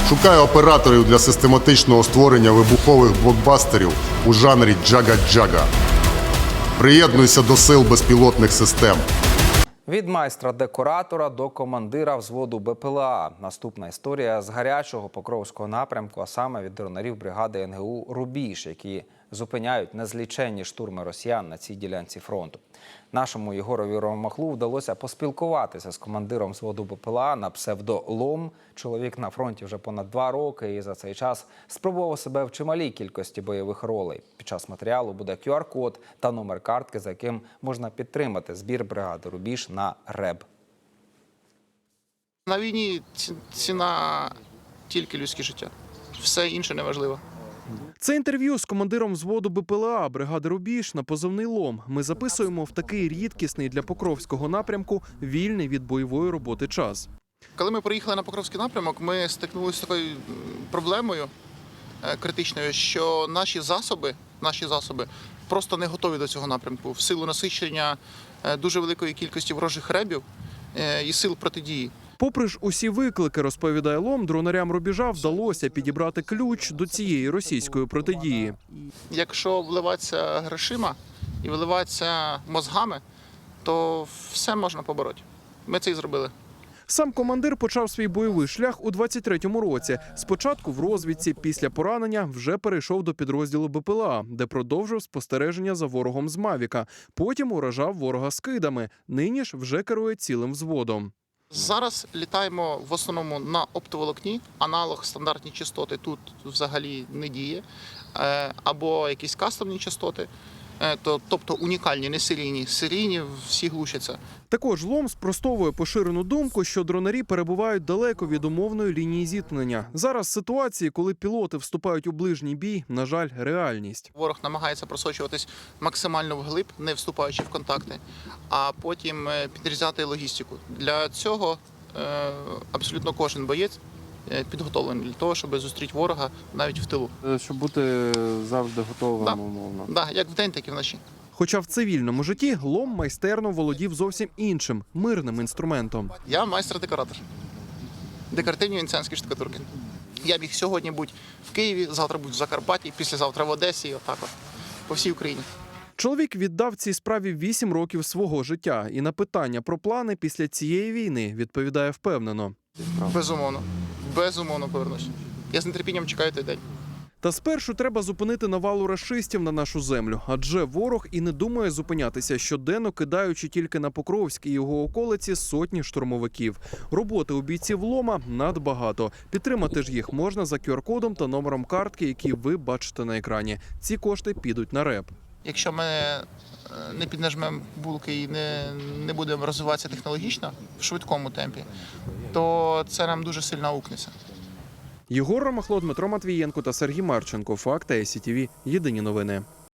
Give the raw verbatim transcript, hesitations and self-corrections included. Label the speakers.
Speaker 1: Шукаю операторів для систематичного створення вибухових блокбастерів у жанрі джага-джага. Приєднуйся до сил безпілотних систем.
Speaker 2: Від майстра-декоратора до командира взводу Б П Л А. Наступна історія з гарячого Покровського напрямку, а саме від дронарів бригади Н Г У «Рубіж», які зупиняють незліченні штурми росіян на цій ділянці фронту. Нашому Єгорові Ромахлу вдалося поспілкуватися з командиром взводу Б П Л А на псевдо Лом. Чоловік на фронті вже понад два роки і за цей час спробував себе в чималій кількості бойових ролей. Під час матеріалу буде Q R код та номер картки, за яким можна підтримати збір бригади «Рубіж» на РЕБ.
Speaker 3: На війні ціна тільки людське життя. Все інше неважливо.
Speaker 4: Це інтерв'ю з командиром взводу Б П Л А бригади «Рубіж» на позивний «Лом». Ми записуємо в такий рідкісний для Покровського напрямку вільний від бойової роботи час.
Speaker 3: Коли ми приїхали на Покровський напрямок, ми стикнулися з такою проблемою критичною, що наші засоби, наші засоби просто не готові до цього напрямку в силу насичення дуже великої кількості ворожих ребів і сил протидії.
Speaker 4: Попри ж усі виклики, розповідає Лом, дронарям «Рубіжа» вдалося підібрати ключ до цієї російської протидії.
Speaker 3: Якщо вливатися грошима і вливатися мозгами, то все можна побороти. Ми це і зробили.
Speaker 4: Сам командир почав свій бойовий шлях у двадцять третьому році. Спочатку в розвідці, після поранення вже перейшов до підрозділу Б П Л А, де продовжив спостереження за ворогом з Мавіка. Потім уражав ворога скидами. Нині ж вже керує цілим взводом.
Speaker 3: Зараз літаємо в основному на оптоволокні, аналог стандартні частоти тут взагалі не діє, або якісь кастомні частоти, тобто унікальні, не серійні. Серійні всі глушаться.
Speaker 4: Також Лом спростовує поширену думку, що дронарі перебувають далеко від умовної лінії зіткнення. Зараз ситуації, коли пілоти вступають у ближній бій, на жаль, реальність.
Speaker 3: Ворог намагається просочуватись максимально вглиб, не вступаючи в контакти, а потім підрізати логістику. Для цього абсолютно кожен боєць підготовлений для того, щоб зустріти ворога навіть в тилу.
Speaker 5: Щоб бути завжди готовим,
Speaker 3: да.
Speaker 5: умовно.
Speaker 3: Да, як вдень, так і вночі.
Speaker 4: Хоча в цивільному житті Лом майстерно володів зовсім іншим, мирним інструментом.
Speaker 3: Я майстер-декоратор. Декоративні венеціанські штукатурки. Я міг сьогодні бути в Києві, завтра бути в Закарпатті, післязавтра в Одесі, отак от, по всій Україні.
Speaker 4: Чоловік віддав цій справі вісім років свого життя. І на питання про плани після цієї війни відповідає впевнено.
Speaker 3: Безумовно. Безумовно повернусь. Я з нетерпінням чекаю той день.
Speaker 4: Та спершу треба зупинити навалу рашистів на нашу землю. Адже ворог і не думає зупинятися, щоденно кидаючи тільки на Покровськ і його околиці сотні штурмовиків. Роботи у бійців Лома надбагато. Підтримати ж їх можна за Q R кодом та номером картки, які ви бачите на екрані. Ці кошти підуть на РЕБ.
Speaker 3: Якщо ми не піднажмемо булки і не, не будемо розвиватися технологічно в швидкому темпі, то це нам дуже сильно аукнеться.
Speaker 4: Єгор Ромахло, Дмитро Матвієнко та Сергій Марченко. Факти Ай Сі Ті Ві. Єдині новини.